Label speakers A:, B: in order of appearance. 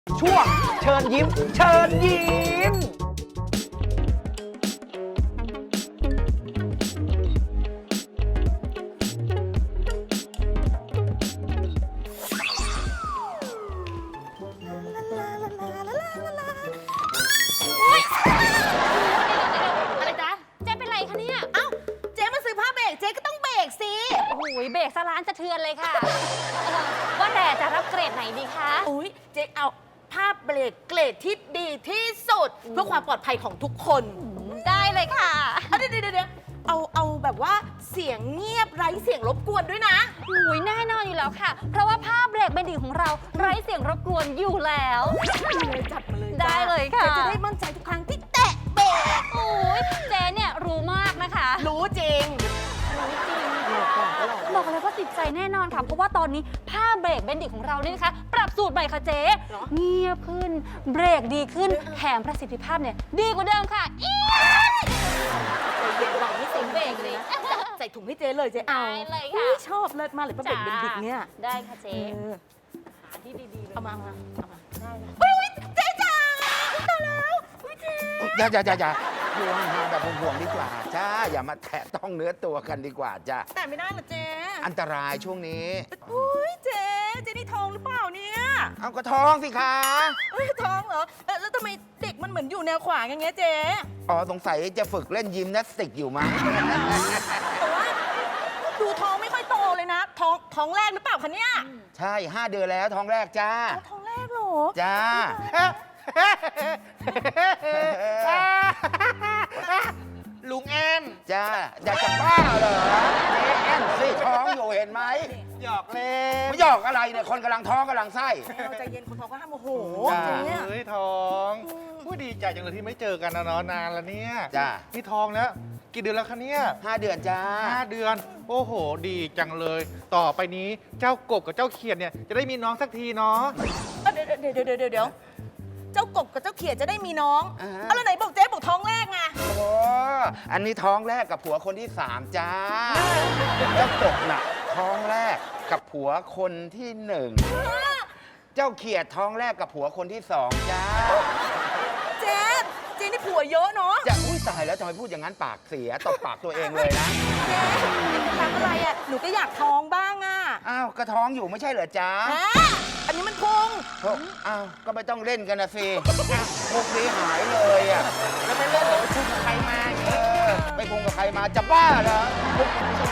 A: ช่วงเชิญยิ้ม เชิญยิ้ม
B: อะไรจ๊ะเจ๊เป็นไรคะเนี่ยเอ้าเจ๊มาซื้อผ้าเบรกเจ๊ก็ต้องเบรกสิโอ้โหเบรกซะร้านสะเทือนเลยค่ะว่าแต่จะรับเกรดไหนดีคะ
C: อุ้ยเจ๊เอาผ้าเบรกเกรดที่ดีที่สุดเพื่อความปลอดภัยของทุกคน
B: ได้เลยค่ะ
C: เดี๋ยวเอาแบบว่าเสียงเงียบไร้เสียงรบกวนด้วยนะ
B: อุ้ยแน่นอนอยู่แล้วค่ะ เพราะว่าผ้าเบรกเบนดิ้งของเราไร้เสียงรบกวนอยู่แล้ว
C: จัดมาเลย
B: ได้เลยค่ะ
C: เจ๊จะได้มั่นใจทุกครั้งที่แตะเบรก
B: โอ้ยเจ๊เนี่ยรู้มากนะคะ
C: รู้จริง
B: บอกเลยว่าติดใจแน่นอนค่ะ เพราะว่าตอนนี้ผ้าเบรกเบนดิ้งของเราเนี่ยนะคะ ปรับสูตรใหม่ค่ะเจ๊
C: เหรอ
B: เงียบขึ้น เบรกดีขึ้น แถมประสิทธิภาพเนี่ยดีกว่าเดิมค่ะอี๊ด
C: ใจเย็นวางให้เต็ม
B: เบรกเลย
C: ใส่ถุงให้เจ๊เลยเจ๊เอา
B: ได้เลยค่ะ
C: อุ๊ชอบเลิศมากเลยผ้าเบรกเป็นดิกเนี่ย
B: ได้ค่ะเจ๊
C: เออ
B: หาที่ดีๆเลย
C: เอามา
B: ได้เลย
C: อุ๊ยเจ๊จ๋าตายแล้วอุ๊ยเจ๊
D: อย่าอยู่ห่างๆแบบห่วงๆดีกว่าจ้าอย่ามาแตะต้องเนื้อตัวกันดีกว่าจ้า
C: แต่ไม่ได้เหรอเจ๊
D: อันตรายช่วงนี้
C: อุ้ยเจ๊นี่ท้องหรือเปล่าเนี่ย
D: เอาก็ท้องสิคะ
C: เอ้ยท้องเหรอแล้วทำไมเด็กมันเหมือนอยู่แนวขวางอย่างเงี้ยเจ๊
D: อ๋อสงสัยจะฝึกเล่นยิมนาสติกอยู่มั้ง
C: แต่ว่าดูท้องไม่ค่อยโตเลยนะ ท้องแรกหรือเปล่าคะเนี่ย
D: ใช่ 5 เดือนแล้วท้องแรกจ้า
C: ท้องแรกเหรอ
D: จ้า
E: ลุงแอน
D: จ้าอยากจะบ้าเหรอเจ๊แอนสิท้องอยู่เห็นไหม
E: หยอกเล่น
D: ไม่หยอกอะไรเนี่ยคนกำลังท้องกำลังไส้
C: เราใจเย็นคนท้องก็ห้ามโมโห
D: จ้า
C: เจ๊เนี่ย
E: เฮ้ยท้องผู้ดีใจจังเลยที่ไม่เจอกันนะเนาะนานแล้วเนี่ย
D: จ้า
E: นี่ท้องแล้วกี่เดือนแล้วคะเนี่ย
D: 5 เดือนจ้า
E: 5 เดือน โอ้โห ดีจังเลย ต่อไปนี้เจ้ากบกับเจ้าเขียดเนี่ยจะได้มีน้องสักทีเนาะ
C: เดี๋ยวเจ้ากบกับเจ้าเขียดจะได้มีน้อง
D: อ่าฮะ
C: เอาแล้วไหนบอกเจ๊บอกท้องแรกไง
D: โอ้อันนี้ท้องแรกกับผัวคนที่ 3 จ้าเจ้ากบน่ะท้องแรกกับผัวคนที่ 1 เจ้าเขียดท้องแรกกับผัวคนที่ 2 จ้า
C: เจ๊นี่ผัวเยอะเนาะ
D: จะอุ้ยตายแล้วทำไมพูดอย่างนั้นปากเสียตบปากตัวเองเลยนะ
C: เจ๊ทำอะไรอ่ะหนูก็อยากท้องบ้างอ่ะ
D: อ้าวก็ท้องอยู่ไม่ใช่เหรอจ้า
C: ฮะอันนี้มันพุง
D: อ้าวก็ไม่ต้องเล่นกันนะสิพวกนี้หายเลยอ่ะแล้วไม่เล่นเหรอไปพุ่งกับใครมาเออไปพุ่งกับใครมาจะบ้าเหรอพวกนี้ไม่ใช่